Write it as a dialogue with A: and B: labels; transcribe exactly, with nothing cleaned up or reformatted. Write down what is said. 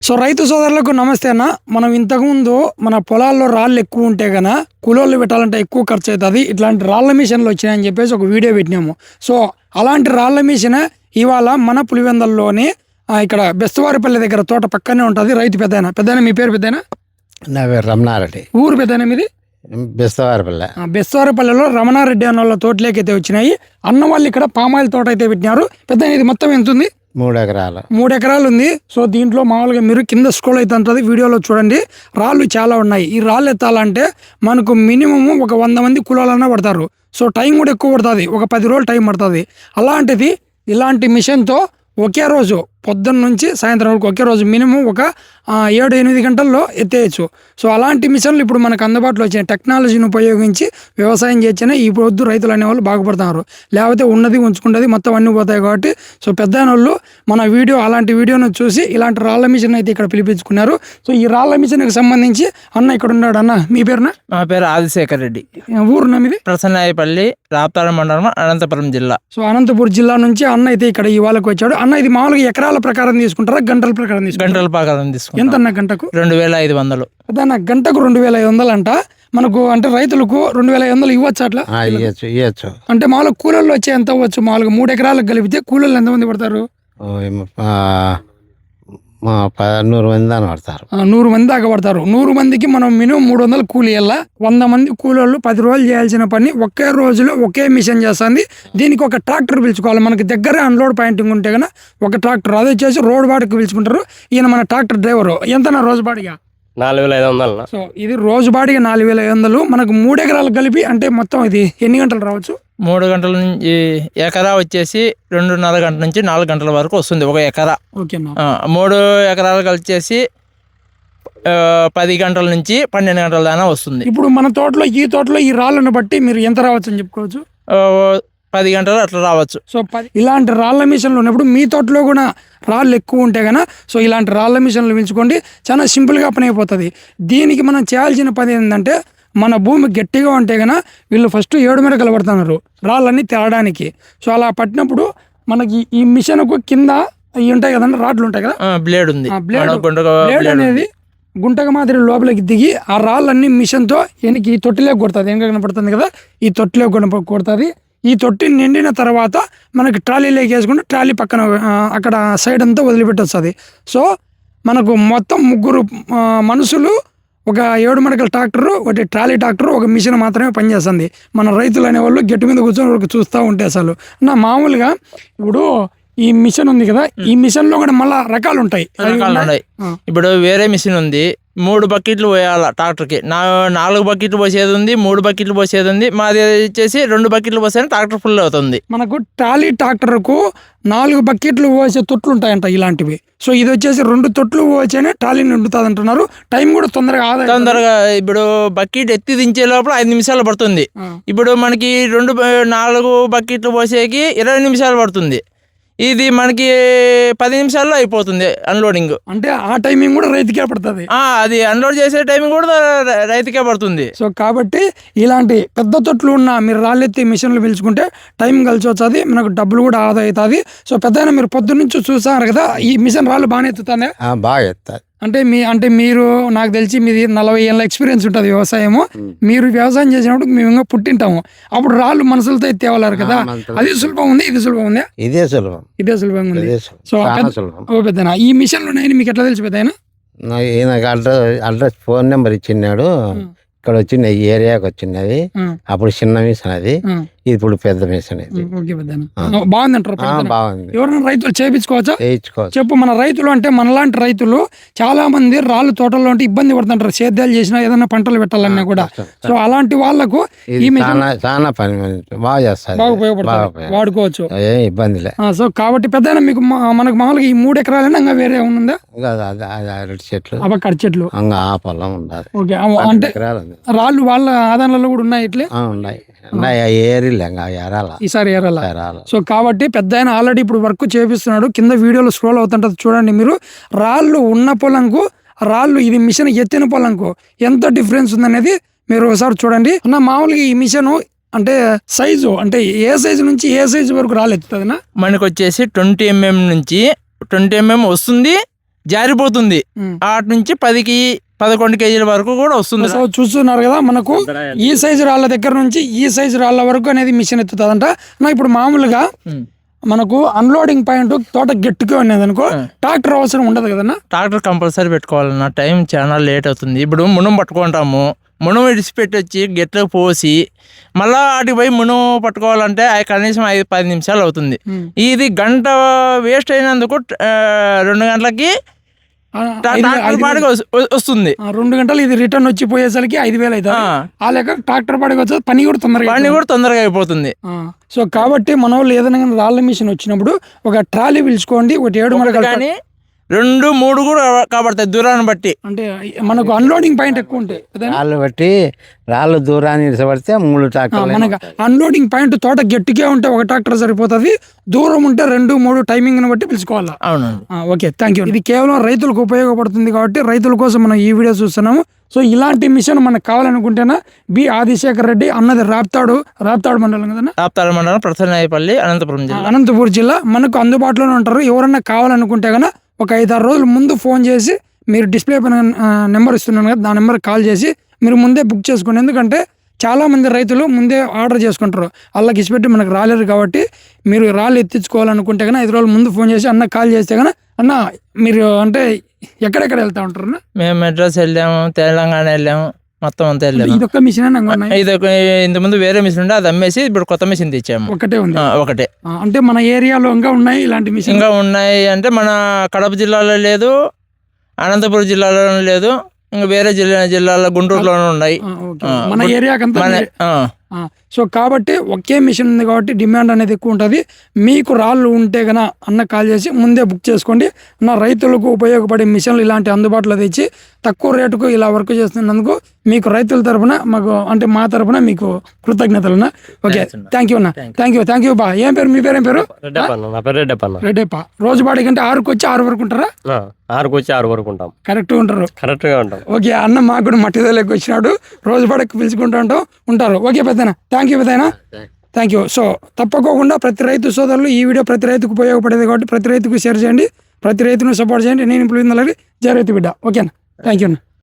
A: So రైతు సోదరులకు నమస్తే అన్న. మనం ఇంతకుముందు మన పొలాల్లో రాళ్ళు ఎక్కువ ఉంటే గన కూలోళ్ళు పెట్టాలంటే ఎక్కువ ఖర్చు అవుతుంది, ఇట్లాంటి రాళ్ళ మిషన్లు వచ్చినాయని చెప్పేసి ఒక వీడియో పెట్టినాము. సో అలాంటి రాళ్ళ మిషన్ ఇవాళ మన పులివెందల్లోని ఆ, ఇక్కడ బెస్తవారిపల్లి దగ్గర తోట పక్కనే ఉంటుంది. రైతు పెద్దయినా పెద్దయినా మీ పేరు పెద్దయినా?
B: నా పేరు రమణారెడ్డి,
A: ఊరు పెద్దయినా మీది?
B: బెస్తవారిపల్లె.
A: ఆ, బెస్తవారిపల్లిలో రమణారెడ్డి అన్న వాళ్ళ తోటలేకైతే వచ్చినాయి. అన్న వాళ్ళు ఇక్కడ పామాయిల్ తోట అయితే పెట్టినారు. పెద్ద ఇది మొత్తం ఎంత ఉంది?
B: మూడు ఎకరాలు
A: మూడు ఎకరాలు ఉంది. సో దీంట్లో మామూలుగా మీరు కింద స్క్రోల్ అయితే ఉంటుంది, వీడియోలో చూడండి. రాళ్ళు చాలా ఉన్నాయి. ఈ రాళ్ళు ఎత్తాలంటే మనకు మినిమం ఒక వంద మంది కులాలన్నా పడతారు. సో టైం కూడా ఎక్కువ పడుతుంది, ఒక పది రోజులు టైం పడుతుంది. అలాంటిది ఇలాంటి మిషన్తో ఒకే రోజు పొద్దున్న నుంచి సాయంత్రం వరకు ఒకే రోజు మినిమం ఒక ఆ, ఏడు ఎనిమిది గంటల్లో ఎత్తేయచ్చు. సో అలాంటి మిషన్లు ఇప్పుడు మనకు అందుబాటులో వచ్చిన టెక్నాలజీని ఉపయోగించి వ్యవసాయం చేస్తేనే ఈ పొద్దు రైతులు అనేవాళ్ళు బాగుపడుతున్నారు. లేకపోతే ఉన్నది ఉంచుకుంటుంది మొత్తం అన్నీ పోతాయి. కాబట్టి సో పెద్ద వాళ్ళు మన వీడియో అలాంటి వీడియోను చూసి ఇలాంటి రాళ్ళ మిషన్ అయితే ఇక్కడ పిలిపించుకున్నారు. సో ఈ రాళ్ళ మిషన్కి సంబంధించి అన్న ఇక్కడ ఉన్నాడు. అన్న మీ పేరున?
C: మా పేరు ఆదిశేఖర్ రెడ్డి,
A: ఊరున మీది?
C: ప్రసన్నాయపల్లి, రాప్తాడు మండలం, అనంతపురం జిల్లా.
A: సో అనంతపురం జిల్లా నుంచి అన్న అయితే ఇక్కడ ఈ వాళ్ళకి వచ్చాడు. అన్న ఇది మామూలుగా ఎకరాల ప్రకారం తీసుకుంటారా గంటల ప్రకారం తీసుకుంటారా?
C: గంటల ప్రకారం తీసుకుంటాం.
A: ఎంత అన్న గంటకు?
C: రెండు వేల ఐదు వందలు.
A: అన్న గంటకు రెండు వేల ఐదు వందలు అంట మనకు. అంటే రైతులకు రెండు వేల ఐదు వందలు ఇవ్వచ్చు అట్లా?
B: ఆ, ఇయ్యచ్చు ఇయ్యచ్చు.
A: అంటే మామూలుగా కూలీలు వచ్చే ఎంత అవ్వచ్చు? మామూలుగా మూడు ఎకరాలకు కలిపితే కూలీలు ఎంతమంది పడతారు?
B: ఓ, ఏమో, ఆ, మా ప- నూరు మంది అని పడతారు.
A: ఆ, నూరు మంది దాకా పడతారు. నూరు మందికి మనం మినిమం మూడు వందలు కూలీ వెళ్ళా. వంద మంది కూలీళ్ళు పది రోజులు చేయాల్సిన పని ఒకే రోజులో ఒకే మిషన్ చేస్తుంది. దీనికి ఒక ట్రాక్టర్ పిలుచుకోవాలి. మనకి దగ్గరే అన్లోడ్ పాయింటింగ్ ఉంటే కన్నా ఒక ట్రాక్టర్, అది వచ్చేసి రోడ్ బాడికి పిలుచుకుంటారు. ఈయన మన ట్రాక్టర్ డ్రైవరు. ఎంతనా రోజు బాడిగా?
D: నాలుగు వేల ఐదు వందలు.
A: సో ఇది రోజు బాడిగా నాలుగు వేల ఐదు వందలు మనకు మూడు ఎకరాలకు కలిపి. అంటే మొత్తం ఇది ఎన్ని గంటలు రావచ్చు?
C: మూడు గంటల నుంచి ఎకరా వచ్చేసి రెండున్నర గంటల నుంచి నాలుగు గంటల వరకు వస్తుంది ఒక ఎకరా.
A: ఓకేనా?
C: ఆ, మూడు ఎకరాలకు వచ్చేసి ఆ, పది గంటల నుంచి పన్నెండు గంటల దాకా వస్తుంది.
A: ఇప్పుడు మన తోటలో ఈ తోటలో ఈ రాళ్ళను బట్టి మీరు ఎంత రావచ్చు అని చెప్పుకోవచ్చు?
C: ఆ, పది గంటలు అట్లా రావచ్చు.
A: సో పది ఇలాంటి రాళ్ళ మిషన్లు ఉన్నప్పుడు మీ తోటలో కూడా రాళ్ళు ఎక్కువ ఉంటే కనుక సో ఇలాంటి రాళ్ళ మిషన్లు పెంచుకోండి. చాలా సింపుల్గా పని అయిపోతుంది. దీనికి మనం చేయాల్సిన పని ఏంటంటే మన భూమి గట్టిగా ఉంటే కనుక వీళ్ళు ఫస్ట్ ఏడు మెరకలు పడుతున్నారు రాళ్ళన్నీ తేడానికి. సో అలా పట్టినప్పుడు మనకి ఈ మిషన్కు కింద ఇవి ఉంటాయి కదండి, రాడ్లు ఉంటాయి కదా,
C: ఆ, బ్లేడ్ ఉంది.
A: ఆ బ్లేడ్
C: మన గుంటక
A: బ్లేడ్
C: బ్లేడ్
A: అనేది
C: ఉంది.
A: గుంటక మాదిరి లోపలికి దిగి ఆ రాళ్ళన్నీ మిషన్తో వెనక్కి ఈ తొట్టిలోకి కొడుతుంది. వెనక కనపడుతుంది కదా, ఈ తొట్టిలోకి కనప కొడుతుంది. ఈ తొట్టి నిండిన తర్వాత మనకి ట్రాలీలోకి వేసుకుంటే ట్రాలీ పక్కన ఆ, అక్కడ సైడ్ అంతా వదిలిపెట్టొస్తుంది. సో మనకు మొత్తం ముగ్గురు ఆ, మనుషులు, ఒక ఏడు మడకల ట్రాక్టరు, ఒకటి ట్రాలీ ట్రాక్టర్, ఒక మిషన్ మాత్రమే పనిచేస్తుంది. మన రైతులు అనేవాళ్ళు గట్టి మీద కూర్చొని ఒక చూస్తూ ఉంటే అసలు నా మామూలుగా ఇప్పుడు ఈ మిషన్ ఉంది కదా, ఈ మిషన్లో కూడా మళ్ళీ రకాలు ఉంటాయి. అవి
C: రకాలు
A: ఉన్నాయి.
C: ఉన్నాయి.
A: ఆ.
C: ఇప్పుడు వేరే మిషన్ ఉంది, మూడు బకెట్లు పోయాల ట్రాక్టర్కి. నా నాలుగు బకెట్లు పోసేది ఉంది, మూడు బకెట్లు పోసేది ఉంది. మాది వచ్చేసి రెండు బకెట్లు పోసేది ట్రాక్టర్ ఫుల్ అవుతుంది.
A: మనకు ట్రాలీ ట్రాక్టర్కు నాలుగు బకెట్లు పోసే తొట్లు ఉంటాయంట ఇలాంటివి. సో ఇది వచ్చేసి రెండు తొట్లు పోసేనే ట్రాలీ నిండుతుంది అంటున్నారు. టైం కూడా తొందరగా ఆదా అవుతుంది.
C: తొందరగా ఇప్పుడు బకెట్ ఎత్తి దించే లోపల ఐదు నిమిషాలు పడుతుంది.
A: ఆ.
C: ఇప్పుడు మనకి రెండు బ- నాలుగు బకెట్లు పోసేకి ఇరవై నిమిషాలు పడుతుంది. ఇది మనకి పది నిమిషాల్లో అయిపోతుంది అన్లోడింగ్.
A: అంటే ఆ టైమింగ్ కూడా రైతుకే పడుతుంది.
C: ఆ, అది అన్లోడ్ చేసే టైమింగ్ కూడా రై- రైతుకే పడుతుంది.
A: సో కాబట్టి ఇలాంటి పెద్ద తొట్లు ఉన్న మీరు రాళ్ళెత్తి మిషన్లు పిలుచుకుంటే టైం కలిసి వచ్చేది, మనకు డబ్బులు కూడా ఆదా అవుతుంది. సో పెద్ద మీరు పొద్దు నుంచి చూసారు కదా, ఈ మిషన్ రాళ్ళు బాగానే ఎత్తుతానే.
B: ఆ, బాగా ఎత్తారు.
A: అంటే మీ అంటే మీరు నాకు తెలిసి మీది నలభై ఏళ్ళ ఎక్స్పీరియన్స్ ఉంటుంది వ్యవసాయము. మీరు వ్యవసాయం చేసినప్పుడు మేము ఇంకా పుట్టింటాము. అప్పుడు రాళ్ళు మనుషులతో ఎత్తేవాళ్ళు కదా,
B: మనుషులతో.
A: అది సులభం ఉంది, ఇది సులభం ఉంది,
B: ఇదే సులభం,
A: ఇదే సులభంగా ఉంది.
B: ఇదే సులభం.
A: సో
B: చాలా
A: పెద్ద-
B: సులభం.
A: ఓ పెద్దనా ఈ మిషన్లు ఉన్నాయని మీకు ఎట్లా తెలిసి పెద్దయినా?
B: నా- ఈయనకి అడ్రస్ అడ్రస్ ఫోన్ నెంబర్ ఇచ్చినాడు. ఇక్కడ వచ్చింది, ఈ ఏరియాకి వచ్చినది. అప్పుడు చిన్న మిషన్ అది, ఇప్పుడు పెద్ద మిషన్ ఇది.
A: ఓకే పెద్దనా, బాగుంది అంటారు.
B: ఆ, బాగుంది,
A: ఎవరైనా రైతులు చేయించుకోవచ్చా?
B: వేయించుకోవచ్చు.
A: చెప్పు. మన రైతులు అంటే మనలాంటి రైతులు చాలా మంది రాళ్ళు తోటల్లో ఉంటే ఇబ్బంది పడుతుంటారు, సేద్యాలు చేసినా ఏదైనా పంటలు పెట్టాలన్నా కూడా. సో అలాంటి వాళ్ళకు
B: ఇది
A: ఈ మిషన్
B: చాలా చాలా పని మంచి- బాగా చేస్తారు,
A: బాగా
B: బాగా
A: ఉపయోగపడుతుంది,
B: ఉపయోగపడుతుంది.
A: వాడుకోవచ్చు.
B: ఏం ఇబ్బందిలే.
A: ఆ, సో కాబట్టి పెద్ద మీకు మా- మనకు మామూలుగా ఈ మూడు ఎకరాలైనా ఇంకా వేరే ఉందా?
B: ఇంకా అది- అది- అది అరటి చెట్లు,
A: అవ కట్ చెట్లు.
B: ఇంకా ఆ పొలం ఉండాలి.
A: ఓకే. ఆ, అంటే
B: ఎకరాలు ఉంది.
A: రాళ్ళు వాళ్ళ ఆదాయాలలో కూడా ఉన్నాయి ఇట్లే
B: ఆ, ఉన్నాయి ఉన్నాయి ఆ ఏరిలే ఇంకా ఎరాల
A: ఈసారి ఏరాల.
B: ఎరాల.
A: సో కాబట్టి పెద్ద ఆయన ఆల్రెడీ ఇప్పుడు వర్క్ చేపిస్తున్నాడు. కింద వీడియోలో స్క్రోల్ అవుతుంటది చూడండి మీరు. రాళ్ళు ఉన్న పొలంకు రాళ్ళు ఇది మిషన్ ఎత్తిన పొలంకు ఎంత డిఫరెన్స్ ఉందనేది మీరు ఒకసారి చూడండి. అన్న మామూలుగా ఈ మిషన్ అంటే సైజు అంటే ఏ సైజు నుంచి ఏ సైజు వరకు రాళ్ళు ఎత్తుతుందినా?
C: మనకు వచ్చేసి ట్వంటీ ఎంఎం నుంచి ట్వంటీ ఎంఎం వస్తుంది, జారిపోతుంది.
A: ఉమ్.
C: ఆటి నుంచి పదికి పదకొండు కేజీల వరకు కూడా వస్తుంది.
A: సో చూస్తున్నారు కదా, మనకు ఈ సైజు రాళ్ళ దగ్గర నుంచి ఈ సైజు రాళ్ళ వరకు అనేది మిషన్ ఎత్తుతుందంట. నా ఇప్పుడు మామూలుగా
C: ఉమ్.
A: మనకు అన్లోడింగ్ పాయింట్ తోట గట్టిగా ఉన్నది అనుకో, ట్రాక్టర్ అవసరం ఉండదు కదన్నా.
C: ట్రాక్టర్ కంపల్సరీ పెట్టుకోవాలన్న, టైం చాలా లేట్ అవుతుంది. ఇప్పుడు మునం పట్టుకుంటాము, మునం విడిచిపెట్టి వచ్చి గెట్లకు పోసి మళ్ళా వాటికి పోయి మునం పట్టుకోవాలంటే అది కనీసం ఐదు పది నిమిషాలు అవుతుంది. ఇది గంట వేస్ట్ అయినందుకు ఆ, రెండు గంటలకి
A: ఆ,
C: ట్రా-
A: ఐదు వే-
C: ట్రాక్టర్
A: ఐదు
C: పాడికి వస్- వ- వస్తుంది.
A: ఆ, రెండు గంటలు ఇది రిటర్న్ వచ్చి పోయేసరికి ఐదు వేలు అవుతుంది.
C: ఆ.
A: ఆ లెక్క ట్రాక్టర్ పాడికి వచ్చేది పని కూడా తొందరగా
C: పని
A: అవుతుంది.
C: కూడా తొందరగా అయిపోతుంది.
A: ఆ, సో కాబట్టి మన వాళ్ళు ఏదైనా కానీ రాళ్ళ మిషన్ వచ్చినప్పుడు ఒక ట్రాలీ పిలుచుకోండి, ఒకటి ఏడు
C: ఒకటి
A: మనకు
C: కానీ రెండు మూడు కూడా కాబడతాయి దూరాన్ని బట్టి.
A: అంటే మనకు అన్లోడింగ్ పాయింట్ ఎక్కువ ఉంటాయి అదేనా?
B: రాళ్ళు బట్టి రాళ్ళు దూరాన్ని ఇసబడితే మూడు
A: ఆ,
B: ట్రాక్టర్లు
A: మనకు అన్లోడింగ్ పాయింట్ తోట గట్టిగా ఉంటే ఒక ట్రాక్టర్ సరిపోతుంది, దూరం ఉంటే రెండు మూడు టైమింగ్ని బట్టి పిలుచుకోవాలా.
C: అవునండి.
A: ఆ, ఓకే, థ్యాంక్ యూ. ఇది కేవలం రైతులకు ఉపయోగపడుతుంది కాబట్టి రైతుల కోసం మనం ఈ వీడియో చూస్తున్నాము. సో ఇలాంటి మిషన్ మనకు కావాలనుకుంటేనా బి ఆదిశేఖర్ రెడ్డి అన్నది రాప్తాడు రాప్తాడు మండలం కదన్నా,
C: ఆప్తాడ మండలం ప్రసన్నాయపల్లి అనంతపురం జిల్లా.
A: అనంతపూర్ జిల్లా. మనకు అందుబాటులోనే ఉంటారు. ఎవరన్నా కావాలనుకుంటే కనుక ఒక ఐదు ఆరు రోజుల ముందు ఫోన్ చేసి, మీరు డిస్ప్లే పైన నెంబర్ ఇస్తున్నాను కదా, ఆ నెంబర్కి కాల్ చేసి మీరు ముందే బుక్ చేసుకోండి. ఎందుకంటే చాలామంది రైతులు ముందే ఆర్డర్ చేసుకుంటారు, వాళ్ళకి ఇచ్చిపెట్టి మనకు రాలేరు. కాబట్టి మీరు రాళ్ళు ఎత్తించుకోవాలనుకుంటే కనుక ఐదు రోజుల ముందు ఫోన్ చేసి అన్న కాల్ చేస్తే కనుక అన్న మీరు అంటే ఎక్కడెక్కడ వెళ్తా ఉంటారు అన్న?
C: మేము మెడ్రాస్ వెళ్ళాము, తెలంగాణ వెళ్ళాము, మొత్తం అంతా వెళ్ళాము.
A: ఇదొక్క మిషన్ ఉన్నాయి,
C: ఇది ఒక- ఇంతకుముందు వేరే మిషన్ ఉండే అది అమ్మేసి ఇప్పుడు కొత్త మిషన్ తెచ్చాము.
A: ఒకటే ఉంది.
C: ఆ, ఒకటే.
A: ఆ, అంటే మన ఏరియాలో ఇంకా ఉన్నాయి ఇలాంటి మిషన్.
C: ఇంకా ఉన్నాయి అంటే మన కడప జిల్లాలో లేదు, అనంతపురం జిల్లాలో లేదు, ఇంకా వేరే జిల్లా జిల్లాలో గుంటూరులోనే ఉన్నాయి. ఆ,
A: మన
C: గుంట-
A: ఏరియాకంతా
C: మన
A: మీరే-
C: ఆ,
A: ఆ, సో కాబట్టి ఒకే మిషన్ ఉంది కాబట్టి డిమాండ్ అనేది ఎక్కువ ఉంటుంది. మీకు రాళ్ళు ఉంటే గన అన్న కాల్ చేసి ముందే బుక్ చేసుకోండి. నా రైతులకు ఉపయోగపడే మిషన్లు ఇలాంటి అందుబాటులో తెచ్చి తక్కువ రేటుకు ఇలా వర్క్ చేస్తున్నందుకు మీకు రైతుల తరపున మాకు అంటే మా తరపున మీకు కృతజ్ఞతలు. ఓకే, థ్యాంక్ యూ అన్న, థ్యాంక్ యూ థ్యాంక్ యూ బా. ఏం పేరు మీ పేరు? ఏం పేరు?
D: రెడ్డప్పన్న, నా పేరు రెడ్డప్పన్న.
A: రెడ్డప్ప. రోజు బాడీ కంటే ఆరుకు వచ్చి ఆరు వరకు ఉంటారా?
D: ఆ, ఆరుకు వచ్చి ఆరు వరకు ఉంటాం,
A: కరెక్ట్గా ఉంటారు.
D: కరెక్ట్ గా ఉంటాం.
A: ఓకే అన్న, మాకు కూడా మట్టిదలకి వచ్చినాడు, రోజు పడకు పిలుచుకుంటూ ఉంటాం ఉంటారు. ఓకే పెద్దనా, థ్యాంక్ యూ పెద్దనా, థ్యాంక్ యూ. సో తప్పకోకుండా ప్రతి రైతు సోదరులు ఈ వీడియో ప్రతి రైతుకు ఉపయోగపడేది కాబట్టి ప్రతి రైతుకు షేర్ చేయండి, ప్రతి రైతును సపోర్ట్ చేయండి. నేను ఇప్పుడు జయ రైతు బిడ్డ. ఓకేనా, థ్యాంక్ యూ అన్న.